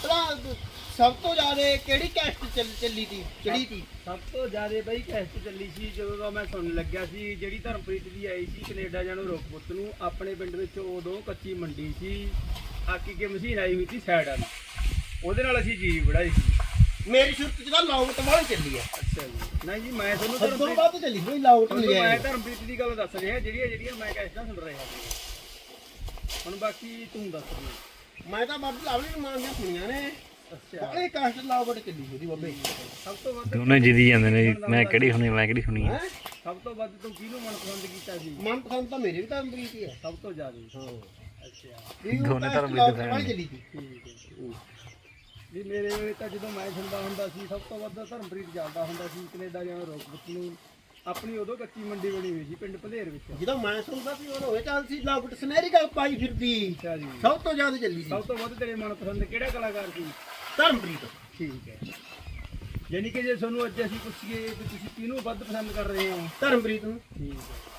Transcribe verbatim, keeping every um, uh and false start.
ਭਲਾ ਸਭ ਤੋਂ ਜ਼ਿਆਦਾ ਕਿਹੜੀ ਕੈਸਟ ਚੱਲ ਚੱਲੀ ਤੀ ਚੜੀ ਤੀ? ਸਭ ਤੋਂ ਜ਼ਿਆਦਾ ਬਈ ਕੈਸਟ ਚੱਲੀ ਸੀ ਜਦੋਂ ਦਾ ਮੈਂ ਸੁਣਨ ਲੱਗਿਆ ਸੀ, ਜਿਹੜੀ ਧਰਮਪ੍ਰੀਤ ਦੀ ਆਈ ਸੀ ਕੈਨੇਡਾ ਜਾਣੋ ਰੋਕਪੁੱਤ ਨੂੰ। ਆਪਣੇ ਪਿੰਡ ਵਿੱਚ ਉਦੋਂ ਕੱਚੀ ਮੰਡੀ ਸੀ, ਆਕੀ ਕੇ ਮਸ਼ੀਨ ਆਈ ਹੋਈ ਸੀ ਸਾਈਡ ਵਾਲੀ, ਉਹਦੇ ਨਾਲ ਅਸੀਂ ਜੀ ਵੜਾਈ ਸੀ। ਮੇਰੀ ਸੁਰਤ ਚ ਤਾਂ ਲਾਊਟ ਵਾਲੀ ਚੱਲੀ ਆ। ਅੱਛਾ ਜੀ। ਨਹੀਂ ਜੀ ਮੈਂ ਤੁਹਾਨੂੰ ਸਭ ਤੋਂ ਧਰਮਪ੍ਰੀਤ ਵੱਧ ਚੱਲੀ ਕੋਈ ਲਾਊਟ ਨਹੀਂ ਤੁਹਾਨੂੰ ਹੈ। ਮੈਂ ਧਰਮਪ੍ਰੀਤ ਦੀ ਗੱਲ ਦੱਸ ਰਿਹਾ, ਜਿਹੜੀਆਂ ਜਿਹੜੀਆਂ ਮੈਂ ਕੈਸਟਾਂ ਸੁਣ ਰਿਹਾ ਸੀ। ਹੁਣ ਬਾਕੀ ਤੂੰ ਦੱਸ ਦੇ। ਮੈਂ ਤਾਂ ਬਾਬੂ ਲਾਵਲੀ ਨੂੰ ਮਾਰਨੀਆਂ ਸੁਣੀਆਂ ਨੇ। ਅੱਛਾ ਬੜੇ ਕਾਸਟ ਲਾਊਟ ਚੱਲੀ ਉਹਦੀ ਬਾਬੇ। ਸਭ ਤੋਂ ਵੱਧ ਦੋਨੇ ਜਿੱਦੀ ਜਾਂਦੇ ਨੇ ਜੀ, ਮੈਂ ਕਿਹੜੀ ਸੁਣੀ ਮੈਂ ਕਿਹੜੀ ਸੁਣੀ ਹੈ। ਹੈਂ? ਸਭ ਤੋਂ ਵੱਧ ਤੂੰ ਕਿਹਨੂੰ ਮਨਪਸੰਦ ਕੀਤਾ ਸੀ? ਮਨਪਸੰਦ ਤਾਂ ਮੇਰੇ ਵੀ ਤਾਂ ਅੰਬਰੀਤ ਹੀ ਹੈ। ਸਭ ਤੋਂ ਜ਼ਿਆਦਾ। ਹਾਂ ਅੱਛਾ ਵੀ ਉਹ ਦੋਨੇ cast ਧਰਮ ਦੇ ਲਾਊਟ fan ਵਾਲੀ ਨੇ। ਚੱਲੀ ਤੀ। ਠੀਕ ਹੈ। ਵੀ ਮੇਰੇ ਵੇਲੇ ਤਾਂ ਜਦੋਂ ਮੈਂ ਸੁਣਦਾ ਹੁੰਦਾ ਸੀ, ਸਭ ਤੋਂ ਵੱਧ ਧਰਮਪ੍ਰੀਤ ਚੱਲਦਾ ਹੁੰਦਾ ਸੀ ਕੈਨੇਡਾ ਜਾਣਾ ਰੋਕਪੁੱਤ ਨੂੰ। ਆਪਣੀ ਉਦੋਂ ਕੱਚੀ ਮੰਡੀ ਬਣੀ ਹੋਈ ਸੀ ਪਿੰਡ ਭਲੇਰ ਵਿੱਚ। ਜਦੋਂ ਮੈਂ ਸੁਣਦਾ ਸੀ ਉਹ ਹੋਏ ਚੱਲ ਸੀ ਲਾਊਟ ਸੁਨਹਿਰੀ ਗੱਲ ਪਾਈ ਫਿਰਦੀ। ਅੱਛਾ ਜੀ। ਸਭ ਤੋਂ ਜ਼ਿਆਦਾ ਚੱਲੀ ਸੀ ਸਭ ਤੋਂ ਵੱਧ ਤੇਰੇ ਮਨਪਸੰਦ ਕਿਹੜਾ ਕਲਾਕਾਰ ਸੀ? ਧਰਮਪ੍ਰੀਤ। ਠੀਕ ਹੈ। ਯਾਨੀ ਕਿ ਜੇ ਤੁਹਾਨੂੰ ਅੱਜ ਅਸੀਂ ਪੁੱਛੀਏ ਕਿ ਤੁਸੀਂ ਕਿਹਨੂੰ ਵੱਧ ਪਸੰਦ ਕਰ ਰਹੇ ਹੋ? ਧਰਮਪ੍ਰੀਤ ਨੂੰ। ਠੀਕ ਹੈ।